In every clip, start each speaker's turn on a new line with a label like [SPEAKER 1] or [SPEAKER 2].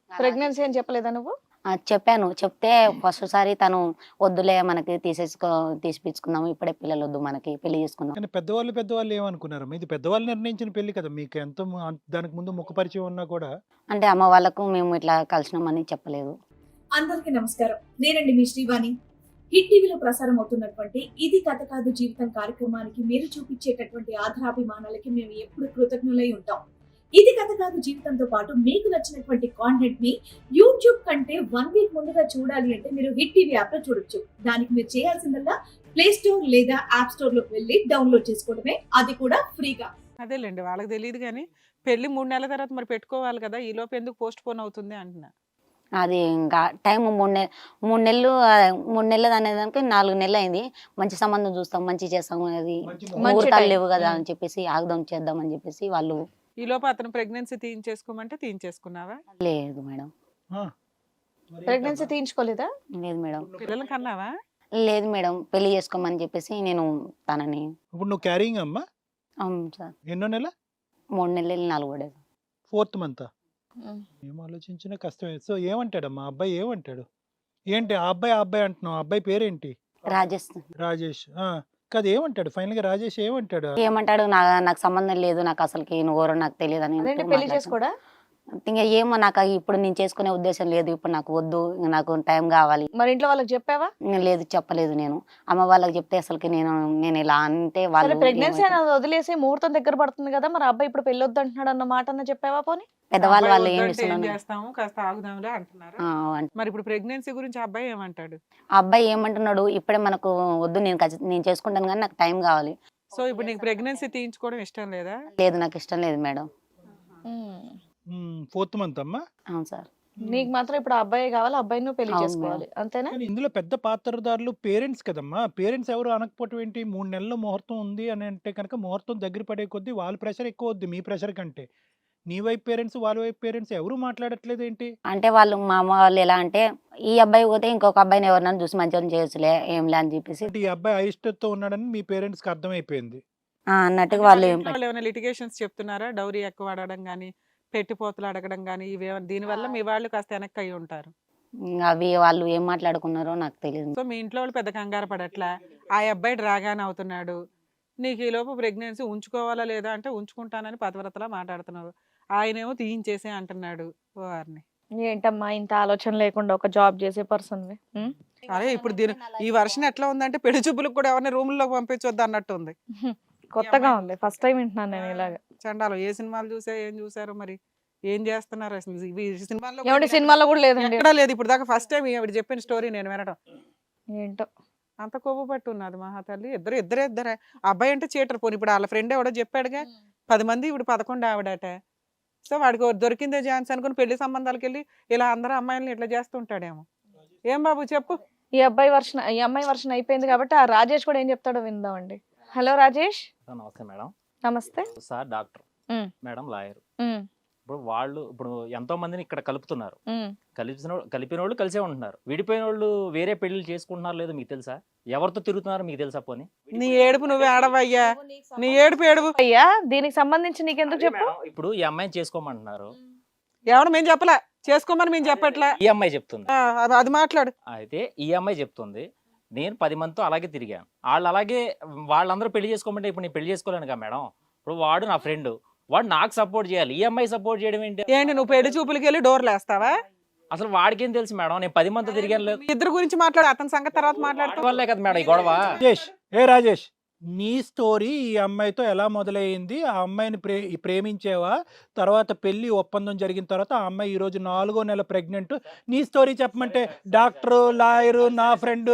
[SPEAKER 1] Pregnancy అని చెప్పలేదా నువ్వు?
[SPEAKER 2] చెప్పాను. చెప్తే ఫస్ట్ సారి తను వద్దులే మనకి తీసిపించుకుందాం. ఇప్పుడే పిల్లలొద్దు మనకి పెళ్లి చేసుకుందాం.
[SPEAKER 3] కానీ పెద్దవాళ్ళు ఏమనుకున్నారమ్మా? ఇది పెద్దవాళ్ళు నిర్ణయించిన పెళ్లి కదా! మీకు ఎంతో దానికి ముందు ముఖ పరిచయం ఉన్నా కూడా
[SPEAKER 2] అంటే అమ్మ వాళ్ళకు మేము ఇట్లా కలిసినామని చెప్పలేదు.
[SPEAKER 4] అందరికీ నమస్కారం. నేనండి మీ శ్రీవాణి. హిట్ టీవీలో ప్రసారం అవుతున్నటువంటి ఇది కథ కాదు జీవితం కార్యక్రమానికి మీరు చూపించేటటువంటి ఆధారాభిమానాలకి మేము ఎప్పుడు కృతజ్ఞులై ఉంటాం. ఇది కథ కాదు జీవితంతో పాటు మీకు నచ్చినటువంటి కాంటెంట్ ని యూట్యూబ్ కంటే 1 వీక్ ముందుగా చూడాలి అంటే మీరు హిట్ టీవీ యాప్ లో చూడొచ్చు. దానికి మీరు చేయాల్సిందల్లా ప్లే స్టోర్ లేదా యాప్ స్టోర్ లోకి వెళ్ళి డౌన్లోడ్ చేసుకోవడమే, అది కూడా ఫ్రీగా.
[SPEAKER 5] అదేలేండి, వాళ్ళకి తెలియదు కానీ పెళ్లి 3 నెలల తర్వాత మరి పెట్టుకోవాలి కదా, ఈ లోపు ఎందుకు పోస్ట్ పోన్ అవుతుంది అంటున్నా.
[SPEAKER 2] అది ఇంకా టైం 3 నెలలు 3 నెలలు అనేదానికి 4 నెలలు అయింది. మంచి సంబంధం చూస్తాం, మంచి చేస్తాం, అది ముహూర్తాలు
[SPEAKER 1] time.
[SPEAKER 2] లేవు కదా అని చెప్పేసి ఆగుదాం చేద్దాం అని చెప్పేసి వాళ్ళు.
[SPEAKER 5] ఈ లోపు అతను ప్రెగ్నెన్సీ తీయించేసుకోమంటే తీయించేసుకున్నావా?
[SPEAKER 2] లేదు మేడం,
[SPEAKER 3] ఆ, మరి
[SPEAKER 1] ప్రెగ్నెన్సీ
[SPEAKER 3] ఏంటమ్మా?
[SPEAKER 1] తీయించుకోలేదా?
[SPEAKER 2] లేదు మేడం,
[SPEAKER 5] పిల్లలు కన్నావా?
[SPEAKER 2] లేదు మేడం, పెళ్లి చేసుకోమని చెప్పేసి నేను తనని.
[SPEAKER 3] ఇప్పుడు నువ్వు క్యారింగ్ అమ్మా?
[SPEAKER 2] అవును సార్,
[SPEAKER 3] ఎన్నో నెల?
[SPEAKER 2] 3 నెలలు 4 పడేది.
[SPEAKER 3] 4th month.
[SPEAKER 1] ఉమ్.
[SPEAKER 3] ఏం ఆలోచించినా కష్టమే. సో ఏమంటాడమ్మా అబ్బాయి? ఏమంటాడు? ఏంటి ఆ అబ్బాయి అంటున్నావు? ఆ అబ్బాయి పేరేంటి?
[SPEAKER 2] రాజస్థాన్.
[SPEAKER 3] రాజేష్. కాదు, ఏమంటాడు ఫైనల్ గా రాజేష్? ఏమంటాడు?
[SPEAKER 2] ఏమంటాడు, నాకు సంబంధం లేదు, నాకు అసలుకి నువ్వెవరో నాకు తెలియదు అని
[SPEAKER 1] అదేంటి పెళ్లి చేసుకోడా?
[SPEAKER 2] ఇంకా ఏమో నాకు ఇప్పుడు నేను చేసుకునే ఉద్దేశం లేదు, ఇప్పుడు నాకు వద్దు, ఇంక నాకు టైం కావాలి.
[SPEAKER 1] మరి ఇంట్లో వాళ్ళకి చెప్పావా?
[SPEAKER 2] ఇంకా లేదు, చెప్పలేదు. నేను అమ్మ వాళ్ళకి చెప్తే అసలుకి నేను ఇలా అంటే వాళ్ళు
[SPEAKER 1] ప్రెగ్నెన్సీ
[SPEAKER 2] ఏమవుతారు?
[SPEAKER 1] అనేది వదిలేసి ముహూర్తం దగ్గర పడుతుంది కదా, మరి అబ్బాయి ఇప్పుడు పెళ్లి వద్దు అంటున్నాడు అన్న మాట అన్న చెప్పావా పోనీ?
[SPEAKER 2] పెద్దవాళ్ళు
[SPEAKER 5] అబ్బాయి
[SPEAKER 2] వాళ్ళు ఏం
[SPEAKER 5] వద్దంటే ఏం
[SPEAKER 2] చేస్తున్నాను.
[SPEAKER 5] చేస్తాము, కాస్త ఆగుదాంలే అంటున్నారు.
[SPEAKER 2] అంటే
[SPEAKER 5] మరి ఇప్పుడు ప్రెగ్నెన్సీ గురించి అబ్బాయి ఏమంటాడు?
[SPEAKER 2] ఆ అబ్బాయి ఏమంటున్నాడు, ఇప్పుడే మనకు వద్దు, నేను చేసుకుంటాను కానీ నాకు టైం కావాలి.
[SPEAKER 5] సో ఇప్పుడు నీకు ప్రెగ్నెన్సీ తీయించుకోవడం ఇష్టం లేదా?
[SPEAKER 2] లేదు, నాకు ఇష్టం లేదు మేడం.
[SPEAKER 3] 4th మంత్ అమ్మా?
[SPEAKER 2] అవును సార్.
[SPEAKER 1] నీకు మాత్రం ఇప్పుడు ఆ అబ్బాయి కావాలి, అబ్బాయి నువ్వు పెళ్లి
[SPEAKER 2] అవును
[SPEAKER 1] చేసుకోవాలి, అంతేనా?
[SPEAKER 3] కానీ ఇందులో పెద్ద పాత్రదారులు పేరెంట్స్ కదమ్మా. పేరెంట్స్ ఎవరు అనకపోవటం ఏంటి? 3 నెలల్లో ముహూర్తం ఉంది అని అంటే కనుక ముహూర్తం దగ్గర పడే కొద్దీ వాళ్ళ ప్రెషర్ ఎక్కువ వద్దు మీ ప్రెషర్ కంటే. నీ వైపు పేరెంట్స్, వాళ్ళ వైపు పేరెంట్స్ ఎవరు మాట్లాడట్లేదు ఏంటి?
[SPEAKER 2] అంటే వాళ్ళు మా అమ్మ వాళ్ళు ఎలా అంటే, ఈ అబ్బాయి పోతే ఇంకొక అబ్బాయిని ఎవరినైనా చూసి మంచిగా చేయొచ్చులే ఏంలే అని చెప్పేసి
[SPEAKER 3] అంటే ఈ అబ్బాయి అయిష్టతో ఉన్నాడని మీ పేరెంట్స్ కి అర్థమైపోయింది.
[SPEAKER 2] అన్నట్టుగా వాళ్ళు
[SPEAKER 5] వాళ్ళు ఏమైనా లిటిగేషన్స్ చెప్తున్నారా? డౌరీ ఎక్కువ అడగడం కానీ, పెట్టిపోతలు అడగడం కానీ, దీనివల్ల మీ వాళ్ళు కాస్త వెనక్కి అయి ఉంటారు.
[SPEAKER 2] అవి వాళ్ళు ఏం మాట్లాడుకున్నారో నాకు తెలియదు.
[SPEAKER 5] సో మీ ఇంట్లో వాళ్ళు పెద్ద కంగారు పడట్లా, ఆ అబ్బాయి డ్రాగాన్ అవుతున్నాడు, నీకు ఈ లోపు ప్రెగ్నెన్సీ ఉంచుకోవాలా లేదా అంటే ఉంచుకుంటానని పతివ్రతలా మాట్లాడుతున్నావు, ఆయనేమో తీయించేసే అంటున్నాడు. వారిని
[SPEAKER 1] ఏంటమ్మా ఇంత ఆలోచన లేకుండా ఒక జాబ్ చేసే పర్సన్.
[SPEAKER 5] అరే ఇప్పుడు ఈ వర్షన్ ఎట్లా ఉందంటే పెళ్లి చూపులకు కూడా ఎవరిని రూముల్లోకి పంపించొద్దు అన్నట్టు ఉంది.
[SPEAKER 1] కొత్తగా ఉంది, ఫస్ట్ టైం వింటున్నాను నేను ఇలాగా.
[SPEAKER 5] చండాలు ఏ సినిమాలు చూసా, ఏం చూసారో మరి, ఏం చేస్తున్నారు అసలు ఈ సినిమాల్లో
[SPEAKER 1] ఏమంటే సినిమాలో కూడా లేదండి.
[SPEAKER 5] ఎక్కడా లేదు ఇప్పుడు దాకా. ఫస్ట్ టైం ఆవిడ చెప్పిన స్టోరీ నేను వినడం.
[SPEAKER 1] ఏంటో
[SPEAKER 5] అంత కొవ్వు పట్టు ఉన్నది మహాతల్లి. ఇద్దరే అబ్బాయి అంటే చీటర్. పోనీ ఇప్పుడు వాళ్ళ ఫ్రెండ్ ఎవడో చెప్పాడుగా 10 మంది, ఇప్పుడు 11 ఆవిడట. సో వాడికి దొరికిందే ఛాన్స్ అనుకుని పెళ్లి సంబంధాలకు వెళ్ళి ఇలా అందరూ అమ్మాయిలను ఇట్లా చేస్తుంటాడేమో. ఏం బాబు చెప్పు.
[SPEAKER 1] ఈ అమ్మాయి వర్షన్ అయిపోయింది కాబట్టి ఆ రాజేష్ కూడా ఏం చెప్తాడో విందామండి. హలో రాజేష్.
[SPEAKER 6] నమస్తే మేడం.
[SPEAKER 1] నమస్తే.
[SPEAKER 6] Sir doctor,
[SPEAKER 1] um.
[SPEAKER 6] Madam lawyer.
[SPEAKER 1] Um,
[SPEAKER 6] ఇప్పుడు ఎంతో మందిని ఇక్కడ కలుపుతున్నారు.
[SPEAKER 1] ఉమ్.
[SPEAKER 6] కలిపిన వాళ్ళు కలిసే ఉంటున్నారు. విడిపోయిన వాళ్ళు వేరే పెళ్లిళ్ళు చేసుకుంటున్నారు లేదో మీకు తెలుసా? ఎవరితో తిరుగుతున్నారో మీకు తెలుసా? పోనీ
[SPEAKER 5] నీ ఏడుపు నువ్వే ఆడవయ్యా, నీ ఏడుపు ఏడుపు.
[SPEAKER 1] అయ్యా దీనికి సంబంధించి నీకెందుకు చెప్పు.
[SPEAKER 6] మేడం, ఇప్పుడు ఈ అమ్మాయిని చేసుకోమంటున్నారు.
[SPEAKER 5] ఎవరు మేము చెప్పలే, చేసుకోమని మేము చెప్పట్లే.
[SPEAKER 6] ఈ అమ్మాయి చెప్తుంది.
[SPEAKER 5] అది మాట్లాడు.
[SPEAKER 6] అయితే ఈ అమ్మాయి చెప్తుంది, నేను 10 మందితో అలాగే తిరిగాను. వాళ్ళందరూ పెళ్లి చేసుకోమంటే ఇప్పుడు నేను పెళ్లి చేసుకోలేను కదా మేడం. ఇప్పుడు వాడు నా ఫ్రెండ్, వాడు నాకు సపోర్ట్ చేయాలి. ఈ అమ్మాయి సపోర్ట్ చేయడం ఏంటి?
[SPEAKER 5] ఏంటి నువ్వు పెళ్లి చూపులకి వెళ్ళి డోర్లు వేస్తావా?
[SPEAKER 6] అసలు వాడికేం తెలుసు మేడం? నేను 10 మందితో తిరిగాను లేదు.
[SPEAKER 5] ఇద్దరు గురించి మాట్లాడు, అతని సంగతి తర్వాత మాట్లాడుతూ.
[SPEAKER 6] వాళ్ళే కదా మేడం ఈ గొడవ.
[SPEAKER 3] రాజేష్, నీ స్టోరీ ఈ అమ్మాయితో ఎలా మొదలైంది? ఆ అమ్మాయిని ప్రేమించేవా? తర్వాత పెళ్లి ఒప్పందం జరిగిన తర్వాత ఆ అమ్మాయి ఈ రోజు 4వ నెల ప్రెగ్నెంట్. నీ స్టోరీ చెప్పమంటే డాక్టర్, లాయర్, నా ఫ్రెండ్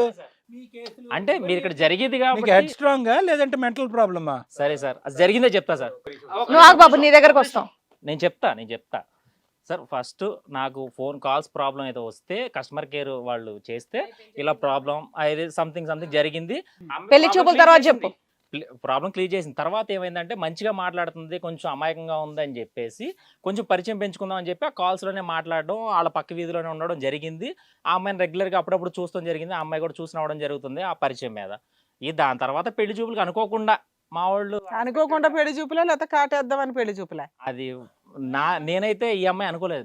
[SPEAKER 6] అంటే మీరు ఇక్కడ జరిగేది కాబట్టి
[SPEAKER 3] హెడ్ స్ట్రాంగ్ లేదంటే మెంటల్ ప్రాబ్లమా?
[SPEAKER 6] సరే సార్, అది జరిగిందే చెప్తా సార్.
[SPEAKER 1] నువ్వు ఆగు బాబు, నీ దగ్గరకు వస్తాం.
[SPEAKER 6] నేను చెప్తా సార్. ఫస్ట్ నాకు ఫోన్ కాల్స్ ప్రాబ్లం అయితే వస్తే కస్టమర్ కేర్ వాళ్ళు చేస్తే ఇలా ప్రాబ్లం అయితే సంథింగ్ జరిగింది.
[SPEAKER 1] పెళ్లి చూపుల తర్వాత చెప్పు.
[SPEAKER 6] ప్రాబ్లం క్లియర్ చేసిన తర్వాత ఏమైందంటే మంచిగా మాట్లాడుతుంది, కొంచెం అమాయకంగా ఉందని చెప్పేసి కొంచెం పరిచయం పెంచుకుందాం అని చెప్పి ఆ కాల్స్లోనే మాట్లాడడం, వాళ్ళ పక్క వీధిలోనే ఉండడం జరిగింది. ఆ అమ్మాయిని రెగ్యులర్గా అప్పుడప్పుడు చూస్తాం జరిగింది. ఆ అమ్మాయి కూడా చూసి రావడం జరుగుతుంది ఆ పరిచయం మీద. దాని తర్వాత పెళ్లి చూపులకు అనుకోకుండా మా వాళ్ళు
[SPEAKER 5] అనుకోకుండా పెళ్లి చూపులే, లేకపోతే కాటేద్దామని పెళ్లి చూపులే?
[SPEAKER 6] అది నేనైతే ఈ అమ్మాయి అనుకోలేదు మేడం.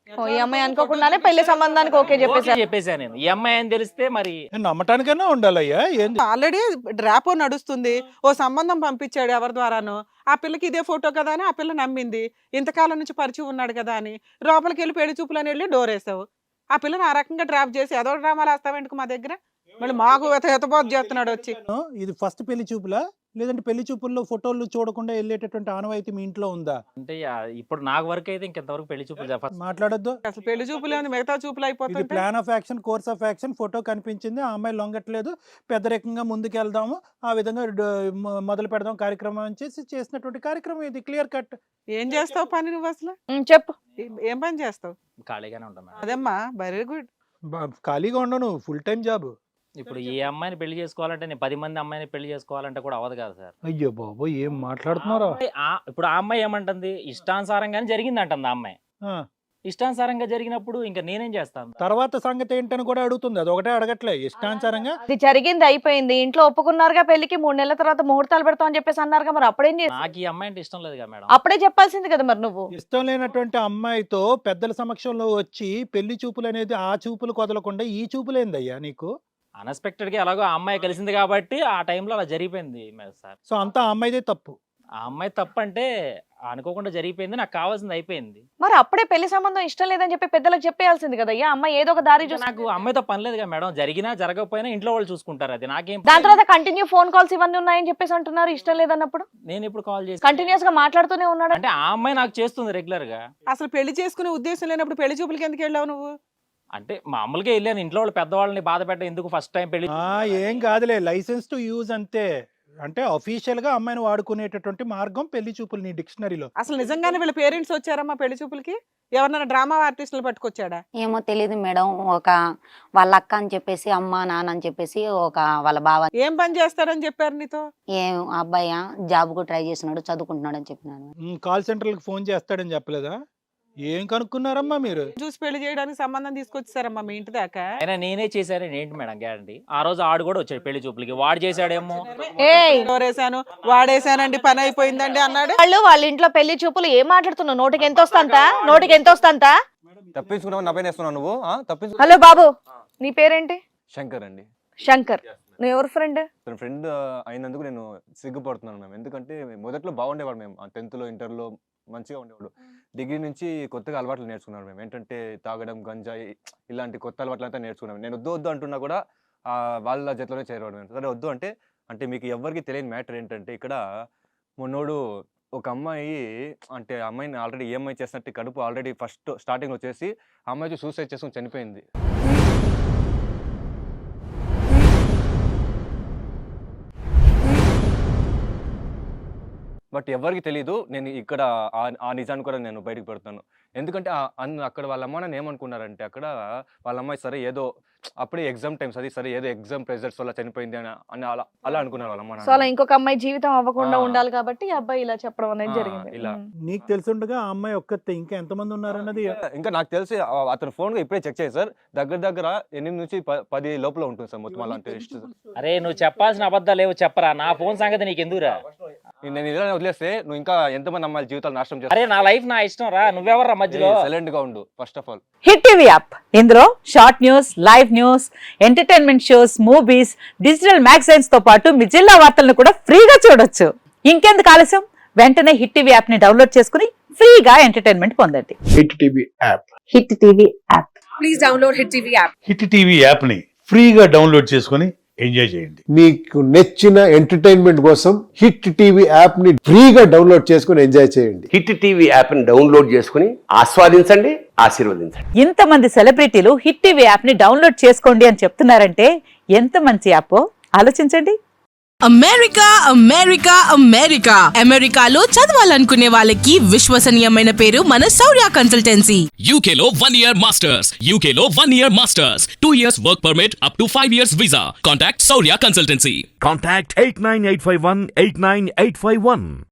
[SPEAKER 1] ఈ అమ్మాయి అనుకోకుండానే పెళ్లి సంబంధానికి ఓకే చెప్పేసారు.
[SPEAKER 6] చెప్పేసాను నేను. ఈ అమ్మాయి అని తెలిస్తే మరి
[SPEAKER 3] నమ్మటానికైనా ఉండాలయ్యా ఏంది
[SPEAKER 5] ఆల్రెడీ డ్రాపో నడుస్తుంది, ఓ సంబంధం పంపించాడు ఎవరి ద్వారానో, ఆ పిల్లకి ఇదే ఫోటో కదా అని ఆ పిల్ల నమ్మింది, ఇంతకాలం నుంచి పరిచయం ఉన్నాడు కదా అని లోపలికి వెళ్ళి పెళ్లి చూపులని వెళ్ళి డోర్ వేసావు. ఆ పిల్లని ఆ రకంగా డ్రాప్ చేసి ఏదో డ్రామాలు వేస్తావేంటి మా దగ్గర, మళ్ళీ మాకు ఎతబోతు చేస్తున్నాడు వచ్చి.
[SPEAKER 3] ఇది ఫస్ట్ పెళ్లి చూపులా లేదంటే పెళ్లి చూపుల్లో ఫోటోలు చూడకుండా వెళ్ళేటటువంటి ఆనవాయితీ మీ ఇంట్లో ఉందా?
[SPEAKER 6] అంటే ఇప్పుడు నాకు వరకు అయితే ఇంకెంతవరకు పెళ్లి చూపులు చెప్పాలి.
[SPEAKER 3] మాట్లాడొద్దు.
[SPEAKER 5] అసలు పెళ్లి చూపులు ఏముంది, మిగతా చూపులు
[SPEAKER 3] ఇది
[SPEAKER 5] అయిపోతుంది.
[SPEAKER 3] Plan of action, course of action. Photo కనిపించింది, ఆ అమ్మాయి లొంగట్లేదు, పెద్దరికంగా ముందుకు వెళ్దాము, ఆ విధంగా మొదలు పెడదాం కార్యక్రమం అని చేసినటువంటి కార్యక్రమం ఇది. Clear cut.
[SPEAKER 5] ఏం చేస్తావు పని నువ్వు అసలు?
[SPEAKER 1] చెప్పు.
[SPEAKER 5] ఏం పని చేస్తావు?
[SPEAKER 6] ఖాళీగానే ఉంటాం మేడం.
[SPEAKER 5] అదమ్మా very good.
[SPEAKER 3] ఖాళీగా ఉండను, ఫుల్ టైం జాబ్.
[SPEAKER 6] ఇప్పుడు ఏ అమ్మాయిని పెళ్లి చేసుకోవాలంటే నేను 10 మంది అమ్మాయిని పెళ్లి చేసుకోవాలంటే కూడా అవ్వదు కదా సార్.
[SPEAKER 3] అయ్యో బాబు ఏం మాట్లాడుతున్నారా?
[SPEAKER 6] ఇప్పుడు ఆ అమ్మాయి ఏమంటుంది, ఇష్టానుసారంగానే జరిగింది అంటుంది ఆ అమ్మాయి. ఇష్టానుసారంగా జరిగినప్పుడు ఇంకా నేనేం చేస్తాను?
[SPEAKER 3] తర్వాత సంగతి ఏంటని కూడా అడుగుతుంది, అది ఒకటే అడగట్లే. ఇష్టానుసారంగా
[SPEAKER 1] ఇది జరిగింది, అయిపోయింది, ఇంట్లో ఒప్పుకున్నారుగా పెళ్లికి, 3 నెలల తర్వాత ముహూర్తాలు పెడతాం అని చెప్పేసి అన్నారుగా, మరి అప్పుడేం చేసి?
[SPEAKER 6] నాకు ఈ అమ్మాయి అంటే ఇష్టం లేదు కదా మేడం.
[SPEAKER 1] అప్పుడే చెప్పాల్సింది కదా మరి నువ్వు.
[SPEAKER 3] ఇష్టం లేనటువంటి అమ్మాయితో పెద్దల సమక్షంలో వచ్చి పెళ్లి చూపులు అనేది ఆ చూపులు కొదలకుండా ఈ చూపులేందయ్యా నీకు?
[SPEAKER 6] అన్ఎక్స్పెక్టెడ్ గా ఎలాగో ఆ అమ్మాయి కలిసింది కాబట్టి ఆ టైంలో అలా జరిగిపోయింది సార్.
[SPEAKER 3] సో అంతా ఆ అమ్మాయిదే తప్పు.
[SPEAKER 6] ఆ అమ్మాయి తప్పు అంటే అనుకోకుండా జరిగిపోయింది, నాకు కావాల్సింది అయిపోయింది.
[SPEAKER 1] మరి అప్పుడే పెళ్లి సంబంధం ఇష్టం లేదని చెప్పి పెద్దలకు చెప్పేయాల్సింది కదా. అమ్మాయి ఏదో ఒక దారి చూసి.
[SPEAKER 6] నాకు అమ్మాయితో పని లేదు కదా మేడం, జరిగినా జరగకపోయినా ఇంట్లో వాళ్ళు చూసుకుంటారు, అది నాకేం.
[SPEAKER 1] దాని తర్వాత కంటిన్యూ ఫోన్ కాల్స్ ఇవన్నీ ఉన్నాయని చెప్పేసి అంటున్నారు ఇష్టం లేదన్నప్పుడు.
[SPEAKER 6] నేను ఇప్పుడు కాల్ చేసి
[SPEAKER 1] కంటిన్యూస్ గా మాట్లాడుతూనే ఉన్నాడు
[SPEAKER 6] అంటే ఆ అమ్మాయి నాకు చేస్తుంది రెగ్యులర్ గా.
[SPEAKER 5] అసలు పెళ్లి చేసుకునే ఉద్దేశం లేనప్పుడు పెళ్లి చూపులకి ఎందుకు వెళ్ళావు నువ్వు?
[SPEAKER 6] అంటే మామూలుగా వెళ్ళాను, ఇంట్లో వాళ్ళు పెద్దవాళ్ళని బాధ పెట్ట ఎందుకు ఫస్ట్ టైం పెళ్లి.
[SPEAKER 3] ఏం కాదులే, లైసెన్స్ టు యూజ్ అంతే. అంటే అఫీషియల్ గా అమ్మాయిని వాడుకునేటటువంటి మార్గం పెళ్లి చూపులు నీ డిక్షనరీలో.
[SPEAKER 5] అసలు నిజంగానే వీళ్ళ పేరెంట్స్ వచ్చారమ్మా పెళ్లి చూపులకి? ఎవరన్నా డ్రామా ఆర్టిస్టులు పట్టుకొచ్చాడా?
[SPEAKER 2] ఏమో తెలియదు మేడం. ఒక వాళ్ళ అక్క అని చెప్పేసి, అమ్మ నాన్న అని చెప్పేసి, ఒక వాళ్ళ బావ.
[SPEAKER 5] ఏం పని చేస్తారని చెప్పారు నీతో?
[SPEAKER 2] ఏం అబ్బాయి జాబ్ కు ట్రై చేస్తున్నాడు, చదువుకుంటున్నాడు అని చెప్పినాను.
[SPEAKER 3] కాల్ సెంటర్లకు ఫోన్ చేస్తాడని చెప్పలేదా? ఏం కనుక్కున్నారమ్మా మీరు?
[SPEAKER 5] చూసి పెళ్లి చేయడానికి సంబంధం తీసుకొచ్చారమ్మా మీ ఇంటి దాకా?
[SPEAKER 6] అయినా నేనే చేశానని ఏంటి మేడం గ్యారంటీ? ఆ రోజు ఆడు కూడా వచ్చాడు పెళ్లి చూపులకి, వాడు చేశాడేమో.
[SPEAKER 5] వేసాను వాడేసానండి పని అయిపోయిందండి అన్నాడు.
[SPEAKER 1] వాళ్ళ ఇంట్లో పెళ్లి చూపులు ఏం మాట్లాడుతున్నావు? నోటికి ఎంత వస్తా
[SPEAKER 7] తప్పించుకున్నావు, నా పైన వేస్తున్నావు నువ్వు.
[SPEAKER 1] హలో బాబు, నీ పేరేంటి?
[SPEAKER 7] శంకర్ అండి.
[SPEAKER 1] శంకర్. నువ్వు ఎవరు ఫ్రెండ్?
[SPEAKER 7] తన ఫ్రెండ్ అయినందుకు నేను సిగ్గుపడుతున్నాను మ్యామ్. ఎందుకంటే ఎందుకంటే మొదట్లో మేము 10th లో ఇంటర్లో మంచిగా ఉండేవాడు. డిగ్రీ నుంచి కొత్తగా అలవాట్లు నేర్చుకున్నాను మేము. ఏంటంటే తాగడం, గంజాయి, ఇలాంటి కొత్త అలవాట్లు అంతా నేర్చుకున్నాను. నేను వద్దు అంటున్నా కూడా వాళ్ళ జతలోనే చేరేవాడు. సరే వద్దు అంటే మీకు ఎవరికి తెలియని మ్యాటర్ ఏంటంటే, ఇక్కడ మొన్నోడు ఒక అమ్మాయి, అంటే అమ్మాయిని ఆల్రెడీ ఈఎంఐ చేసినట్టు కడుపు ఆల్రెడీ ఫస్ట్ స్టార్టింగ్ వచ్చేసి ఆ అమ్మాయి సూసైడ్ చేసుకుని చనిపోయింది. బట్ ఎవరికి తెలీదు. నేను ఇక్కడ ఆ నిజాన్ని కూడా నేను బయటకు పెడతాను. ఎందుకంటే అక్కడ వాళ్ళ అమ్మ నాన్న ఏమనుకున్నారంటే, అక్కడ వాళ్ళ అమ్మాయి సరే ఏదో అప్పుడే ఎగ్జామ్ టైమ్స్, అది సరే ఏదో ఎగ్జామ్ ప్రెజర్స్ వల్ల చనిపోయింది అని అలా అనుకున్నారు వాళ్ళ అమ్మ
[SPEAKER 1] సో అలా
[SPEAKER 7] నాన్న.
[SPEAKER 1] ఇంకొక అమ్మాయి జీవితం అవ్వకుండా ఉండాలి కాబట్టి ఈ అబ్బాయి ఇలా చెప్పడం అనేది జరిగింది.
[SPEAKER 7] ఇలా
[SPEAKER 3] నీకు తెలుసుండగా ఆ అమ్మాయి ఒక్కతే, ఇంకా ఎంతమంది ఉన్నారన్నది
[SPEAKER 7] ఇంకా నాకు తెలిసి అతను ఫోన్ ఇప్పుడే చెక్ చేయాలి సార్. దగ్గర 8 నుంచి 10 లోపల ఉంటుంది సార్ మొత్తం అలాంటి లిస్ట్.
[SPEAKER 6] అరే నువ్వు చెప్పాల్సిన అబద్ధాలు ఏవో చెప్పరా, నా ఫోన్ సంగతి నీకు ఎందుకురా?
[SPEAKER 7] నేను ఇలా వదిలేస్తే నువ్వు ఇంకా ఎంతమంది అమ్మాయిల జీవితాలు నాశనం
[SPEAKER 6] అరే
[SPEAKER 7] చేస్తావు.
[SPEAKER 6] నా లైఫ్ నా ఇష్టం రా, నువ్వెవర్రా మధ్యలో?
[SPEAKER 7] సైలెంట్ గా ఉండు first of all.
[SPEAKER 8] Hit TV app, ఇందులో short news, live news, entertainment shows, movies, digital magazines తో పాటు మీ జిల్లా వార్తలను కూడా ఫ్రీగా చూడొచ్చు. ఇంకెందుకు ఆలస్యం, వెంటనే హిట్ టీవీ యాప్ ని డౌన్లోడ్ చేసుకుని ఫ్రీగా ఎంటర్టైన్మెంట్ పొందండి.
[SPEAKER 9] Hit TV app.
[SPEAKER 8] Hit TV app.
[SPEAKER 4] Please download hit TV app.
[SPEAKER 9] Hit TV app ని ఫ్రీగా డౌన్లోడ్ చేసుకొని ఎంజాయ్ చేయండి.
[SPEAKER 10] మీకు నచ్చిన ఎంటర్టైన్మెంట్ కోసం హిట్ టీవీ యాప్ ని ఫ్రీగా డౌన్లోడ్ చేసుకొని ఎంజాయ్ చేయండి.
[SPEAKER 11] హిట్ టీవీ యాప్ ని డౌన్లోడ్ చేసుకుని ఆస్వాదించండి, ఆశీర్వదించండి.
[SPEAKER 8] ఇంతమంది సెలబ్రిటీలు హిట్ టీవీ యాప్ ని డౌన్లోడ్ చేసుకోండి అని చెప్తున్నారంటే ఎంత మంచి యాప్ ఆలోచించండి.
[SPEAKER 12] అమెరికాలో చదవాలనుకునే వాళ్ళకి విశ్వసనీయమైన పేరు మన శౌర్య కన్సల్టెన్సీ.
[SPEAKER 13] UKలో 1 year masters, 2 years work permit up to 5 years visa. Contact Saurya Consultancy.
[SPEAKER 9] Contact 89851 89851.